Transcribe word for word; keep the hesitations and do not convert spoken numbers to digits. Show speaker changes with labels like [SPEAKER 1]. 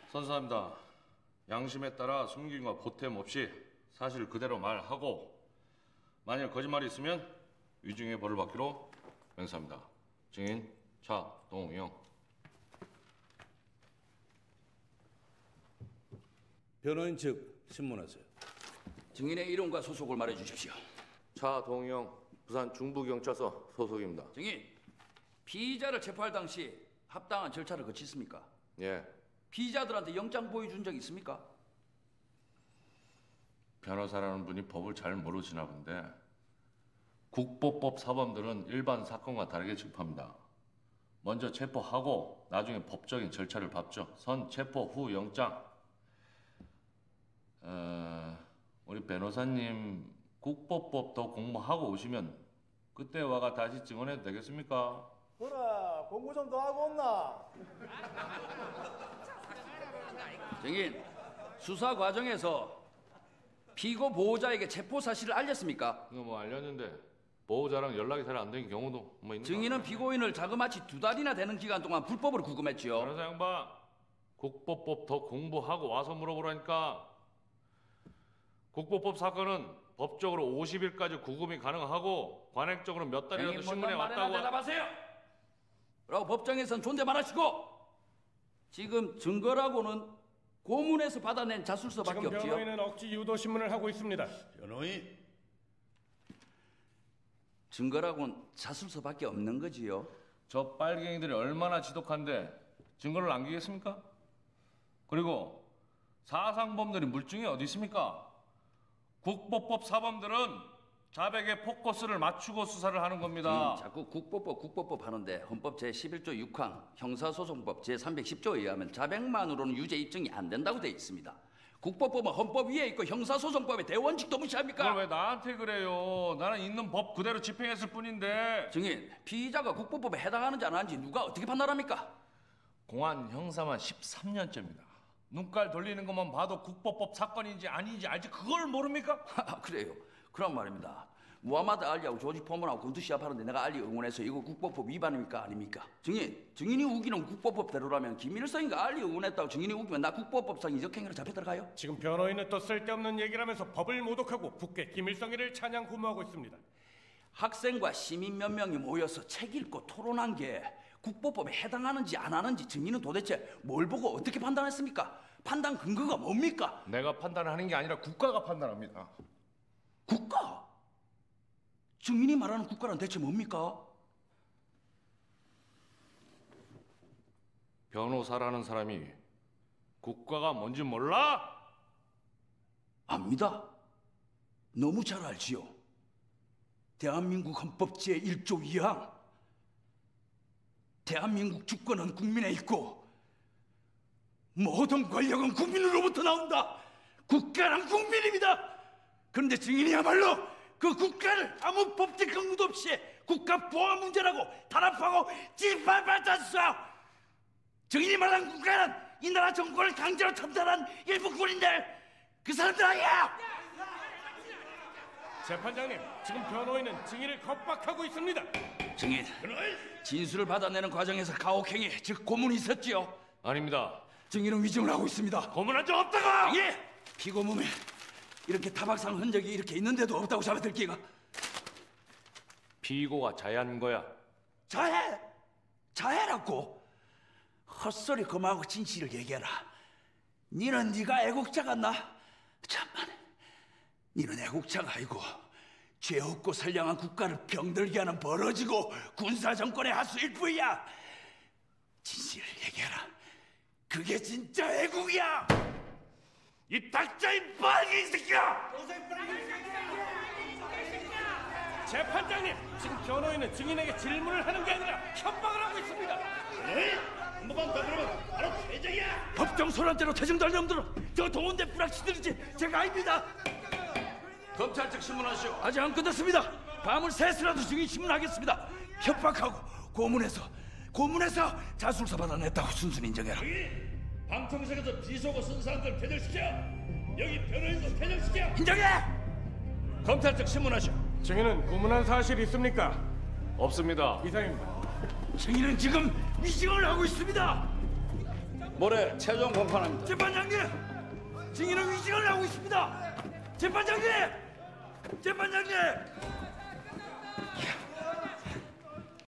[SPEAKER 1] 선사합니다. 양심에 따라 숨김과 보탬 없이 사실 그대로 말하고 만일 거짓말이 있으면 위증의 벌을 받기로 맹세합니다. 증인 차동영.
[SPEAKER 2] 변호인 측 신문하세요.
[SPEAKER 3] 증인의 이름과 소속을 말해주십시오.
[SPEAKER 1] 차동영, 부산 중부경찰서 소속입니다.
[SPEAKER 3] 증인, 피의자를 체포할 당시 합당한 절차를 거쳤습니까?
[SPEAKER 1] 예.
[SPEAKER 3] 피의자들한테 영장 보여준 적 있습니까?
[SPEAKER 1] 변호사라는 분이 법을 잘 모르시나 본데 국보법 사범들은 일반 사건과 다르게 취급합니다. 먼저 체포하고 나중에 법적인 절차를 밟죠. 선 체포 후 영장. 어, 우리 변호사님 국보법도 공부하고 오시면 그때 와가 다시 증언해도 되겠습니까?
[SPEAKER 4] 그래, 공부 좀 더 하고 온나?
[SPEAKER 3] 증인, 수사 과정에서 피고 보호자에게 체포 사실을 알렸습니까?
[SPEAKER 1] 이거 뭐 알렸는데 보호자랑 연락이 잘 안 되는 경우도 뭐 있는
[SPEAKER 3] 증인은 피고인을 자그마치 두 달이나 되는 기간 동안 불법으로 구금했지요.
[SPEAKER 1] 변호사 양반, 국보법 더 공부하고 와서 물어보라니까. 국보법 사건은 법적으로 오십 일까지 구금이 가능하고 관행적으로 몇 달이라도 신문에 왔다고.
[SPEAKER 3] 대답하세요. 라고 법정에선 존댓말하시고 지금 증거라고는 고문에서 받아낸 자술서밖에
[SPEAKER 4] 지금
[SPEAKER 3] 없지요.
[SPEAKER 4] 변호인은 억지 유도 신문을 하고 있습니다.
[SPEAKER 2] 변호인.
[SPEAKER 3] 증거라고는 자술서밖에 없는 거지요.
[SPEAKER 1] 저 빨갱이들이 얼마나 지독한데 증거를 남기겠습니까? 그리고 사상범들이 물증이 어디 있습니까? 국보법 사범들은 자백의 포커스를 맞추고 수사를 하는 겁니다.
[SPEAKER 3] 음, 자꾸 국보법 국보법 하는데 헌법 제십일조 육항 형사소송법 제삼백십조에 의하면 자백만으로는 유죄 입증이 안 된다고 돼 있습니다. 국보법은 헌법 위에 있고 형사소송법의 대원칙도 무시합니까?
[SPEAKER 1] 그걸 왜 나한테 그래요? 나는 있는 법 그대로 집행했을 뿐인데.
[SPEAKER 3] 증인, 피의자가 국보법에 해당하는지 안 하는지 누가 어떻게 판단합니까?
[SPEAKER 1] 공안 형사만 십삼 년째입니다. 눈깔 돌리는 것만 봐도 국보법 사건인지 아닌지 알지 그걸 모릅니까?
[SPEAKER 3] 그래요. 그런 말입니다. 무하마드 알리하고 조지 포먼하고 군투 시합하는데 내가 알리 응원해서 이거 국보법 위반입니까 아닙니까? 증인, 증인이 우기는 국보법대로라면 김일성이가 알리 응원했다고 증인이 우기면 나 국보법상 이적행위로 잡혀 들어가요?
[SPEAKER 4] 지금 변호인은 또 쓸데없는 얘기를 하면서 법을 모독하고 국회 김일성이를 찬양 구모하고 있습니다.
[SPEAKER 3] 학생과 시민 몇 명이 모여서 책 읽고 토론한 게 국보법에 해당하는지 안 하는지 증인은 도대체 뭘 보고 어떻게 판단했습니까? 판단 근거가 뭡니까?
[SPEAKER 1] 내가 판단하는 게 아니라 국가가 판단합니다.
[SPEAKER 3] 국가? 증인이 말하는 국가란 대체 뭡니까?
[SPEAKER 1] 변호사라는 사람이 국가가 뭔지 몰라?
[SPEAKER 3] 압니다. 너무 잘 알지요. 대한민국 헌법 제일조 이항. 대한민국 주권은 국민에 있고 모든 권력은 국민으로부터 나온다. 국가란 국민입니다. 그런데 증인이야말로 그 국가를 아무 법적 근거도 없이 국가 보안 문제라고 탄압하고 짓밟았었어. 증인이 말한 국가는 이 나라 정권을 강제로 탐탈한 일부 군인들, 그 사람들 아니야.
[SPEAKER 4] 재판장님, 지금 변호인은 증인을 겁박하고 있습니다.
[SPEAKER 3] 증인, 진술을 받아내는 과정에서 가혹행위, 즉 고문이 있었지요?
[SPEAKER 1] 아닙니다.
[SPEAKER 3] 증인은 위증을 하고 있습니다.
[SPEAKER 1] 고문한 적 없다고!
[SPEAKER 3] 예! 피고 몸에 이렇게 타박상 흔적이 이렇게 있는데도 없다고 잡아들 기가.
[SPEAKER 1] 피고가 자해한 거야.
[SPEAKER 3] 자해? 자해라고? 헛소리 그만하고 진실을 얘기해라. 니는 네가 애국자 같나? 참만, 니는 애국자가 아니고 죄 없고 선량한 국가를 병들게 하는 벌어지고 군사정권의 하수일 뿐이야. 진실을 얘기해라. 그게 진짜 애국이야. 이 닥쳐, 이 빨갱이 새끼야!
[SPEAKER 4] 재판장님, 지금 변호인은 증인에게 질문을 하는 게 아니라 협박을 하고 있습니다.
[SPEAKER 5] 네? 한 번만 더 들으면 바로 퇴정이야.
[SPEAKER 3] 법정 소란대로 퇴정될 놈들은 저 동원대 불락시들이지 제가 아닙니다. 검찰 측 신문하시오. 아직 안 끝났습니다. 밤을 새서라도 증인 신문하겠습니다. 협박하고 고문해서 고문해서 자술서 받아냈다고 순순히 인정해라.
[SPEAKER 5] 여기 방청석에서 비속어 쓴 사람들 퇴정시켜. 여기 변호인도 퇴정시켜.
[SPEAKER 3] 인정해. 검찰 측 신문하시오.
[SPEAKER 4] 증인은 고문한 사실 있습니까?
[SPEAKER 1] 없습니다.
[SPEAKER 4] 이상입니다.
[SPEAKER 3] 증인은 지금 위증을 하고 있습니다.
[SPEAKER 2] 모레 최종 공판합니다.
[SPEAKER 3] 재판장님, 증인은 위증을 하고 있습니다. 재판장님, 재판장님.